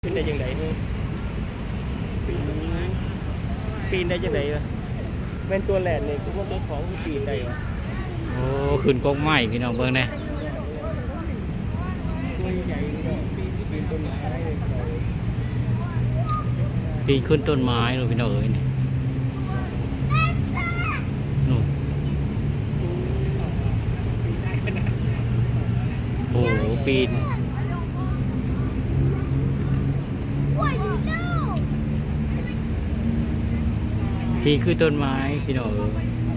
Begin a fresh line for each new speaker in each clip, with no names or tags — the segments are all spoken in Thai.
ปีนได้ยังไงปีนได้ยังไงวะเป็นตัวแหลนเนี่ยคือว่าตัวของปีนได้วะ
โอ้ขึ้นกกไม้พี่น้องเบิ่งแน่
ตัวใหญ่ปีนต้นไม้ได้เลย
ปีนขึ้นต้นไม้เลยพี่น้องเอ้ยนี่นู่นโอ้โหปีนปีนขึ้นต้นไม้พี่น้องเอ้ย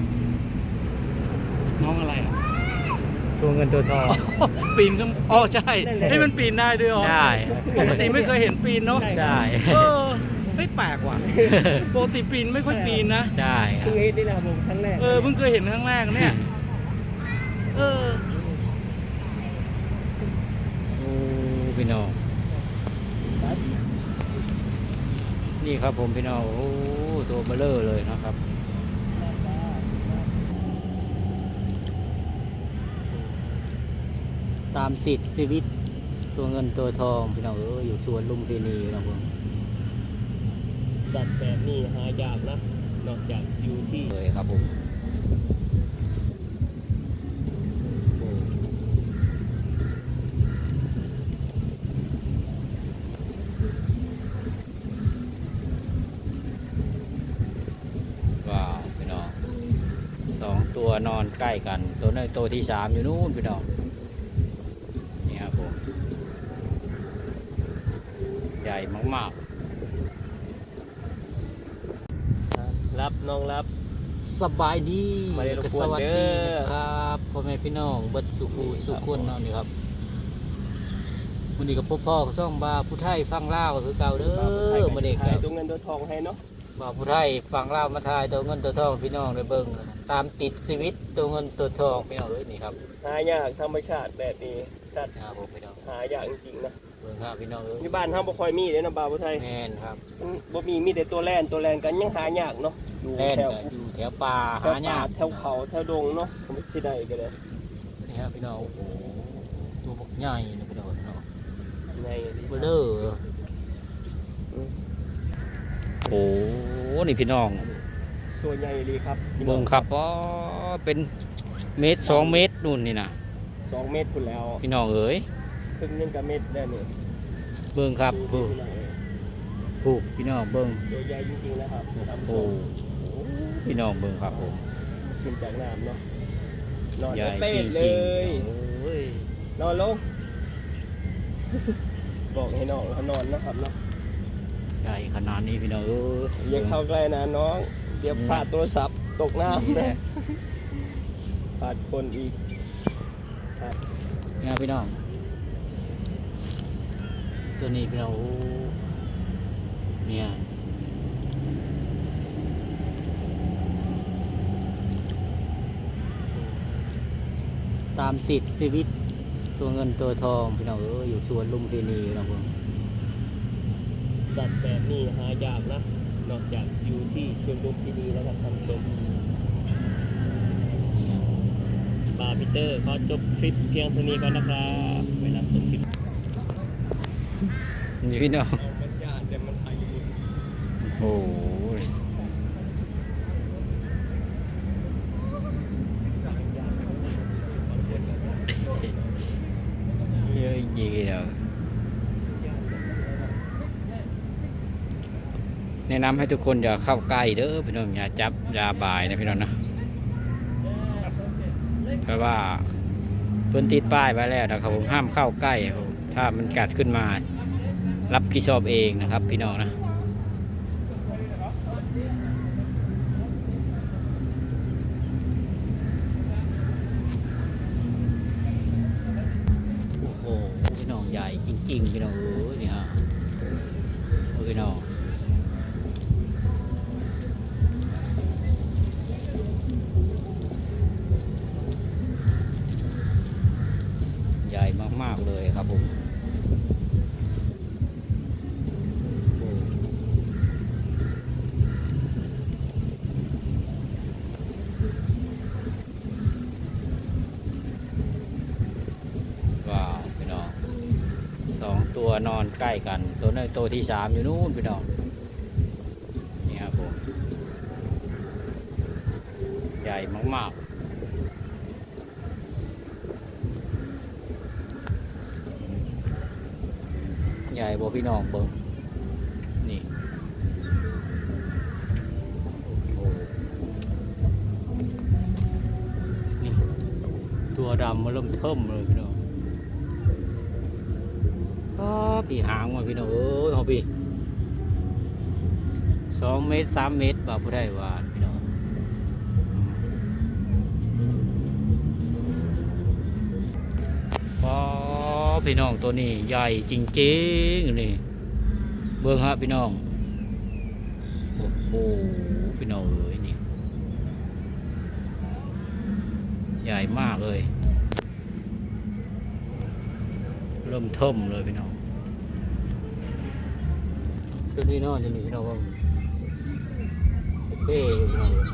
น้องอะไรอ่ะตัวเงินตัวทอง
ปีนก็อ๋อใช่ให้มันปีนได้ด้วยอ๋อ
ได้
ปกติไม่เคยเห็นปีนเนาะ
ได้
เออไม่แปลกว่ะปกติปีนไม่ค่อยปีนนะ
ใช่ครั
เพิ่
บ
งเห็นนี่แหละผมครั้งแรก
เพิ่งเคยเห็นครั้งแรกเนี่ยเออ
โอ้พี่น้องนี่ครับผมพี่น้องโอ้ตัวเบลอเลยนะครับตามสิทธิ์ชีวิตตัวเงินตัวทองพี่น้องอยู่สวนลุมพินีนะผม
สัตว์แบบนี้หายากนะนอกจากอยู่ที่
เลยครับผมว้าวพี่น้องสองตัวนอนใกล้กันตัวนี้ตัวที่สามอยู่นู่นพี่น้องนี่ครับผมใหญ่มากๆ
รับน้องรับ
สบายดี
มาได้รบกวน
สวัส
เด้
ดี
อ
นะครับพ่อแม่พี่น้องเบิดสุขูสุขคนเนาะนี่ครับวันนี้กับพ่อก็ซ่องบาผู้ไทยฟังลาวก็คือเก่าเด้อมาเด็ก
ถ่า
ค
ย
รับ
ตัวเงินตัวทองให้เนาะ
บาผู้ไทยฟังลาวมาทายตัวเงินตัวทองพี่น้องได้เบิ่งตามติดชีวิตตัวเงินตัวทองพี่น้องเอ้ยนี่ครับ
หายากธรรมชาติแบบนี้สัตว์
ครับผมพี่น้อง
หายากจริงๆนะ
เบิ่งครับพี่น้องเอ้ย
ที่บ้านเฮาบ่ค่อยมีเด้นะบ่าวผู้ไทย
แม่นครับ
มันบ่มีแต่ตัวแล่นกันยังหายากเนาะอยู่
แล่น
แถว
ก็อยู่แถวป่า
แถ
หาว
ป่าย
าก
แถวเขาแถวดงเนาะผมไม่สิได้ก็ได้
นี่ครับพี่น้องโอ้โหตัวบักใหญ่นะพี่น้องเนาะ
ใน
เบลอโอ้โหนี่พี่น้อง
ตัวใหญ่เลยครับ
เบิ่งครับอ๋อเป็นเมตร2 เมตรนู่นนี่นะ
2 เมตรพุ่นแล้ว
พี่น้องเอ๋ย
ครึ่งนึงก็เมตรได้นี่
เบิ่งครับผู้พี่น้องเบิ่ง
ตัวใหญ่จริงๆนะครับท่านผู้ช
โอ้
ม
พี่น้องเบิ่งครับผม
ขึ้นจากน้ำเนาะนอน
ใหญ่
เต้
จริ
น
ง
เล
ๆ
ย
โอ้ย
นอนลง บอกให้น้องเขานอนนะครับเนาะ
ใหญ่ขนาดนี้พี่น้องเอ้ย
อย่าเข้าใกล้นะน้องเดี๋ยวพลาดโทรศัพท์ตกน้ำนะพลาดคนอีกครับ
นี่ครับพี่น้องตัวนี้พี่น้องโอ้เนี่ยตามสิทธิ์ชีวิตตัวเงินตัวทองพี่น้องอยู่สวนลุมพินีนะผม
สัตว์แบบนี้หายากนะนอกจากอยู่ที่ชลบุรีดีแล้วครับท่านผู้ชมบาร์บิเตอร์ขอจบคลิปเพียงเท่านี้ก่อนนะครับเวลาจบคลิป
นี่พี่น้อง
มันยากแต่มันอายุ
โอ้ยเยอะจริงๆเลยแนะนำให้ทุกคนอย่าเข้าใกล้เด้อพี่น้องอย่าจับอย่าบ่ายนะพี่น้องนะเพราะว่าเพิ่นติดป้ายไว้แล้วนะครับผมห้ามเข้าใกล้ครับผมถ้ามันกัดขึ้นมารับผิดชอบเองนะครับพี่น้องนะโอ้โหพี่น้องใหญ่จริงๆพี่น้องเอ้ยนี่ฮะโอ้พี่น้องใหญ่มากๆเลยครับผมว้าวพี่น้อง2 ตัวนอนใกล้กันตัวน้อยตัวที่3อยู่นู่นพี่น้องนี่ครับผมใหญ่มากๆใหญ่บ่พี่น้องเบิ่งนี่โอ้นี่ตัวดำมาเริ่มเทิ่มเลยพี่น้องพี่หางมาพี่น้องเอ้ยเอาพี่2 เมตร 3 เมตรบ่ผู้ได้ว่าพี่น้องพี่น้องตัวนี้ใหญ่จริงๆนี่เบิ่งฮะพี่น้องโอ้โหพี่น้องเอ้ยนี่ใหญ่มากเลยเริ่มเทิ่มเลยพี่น้องตัวนี้เนาะจะหนีพี่น้องว่าเป้อยู่พี่น้องเลย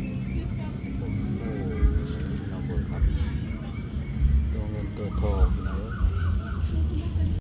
เราเบิกครับตัวเงินตัวทองนะ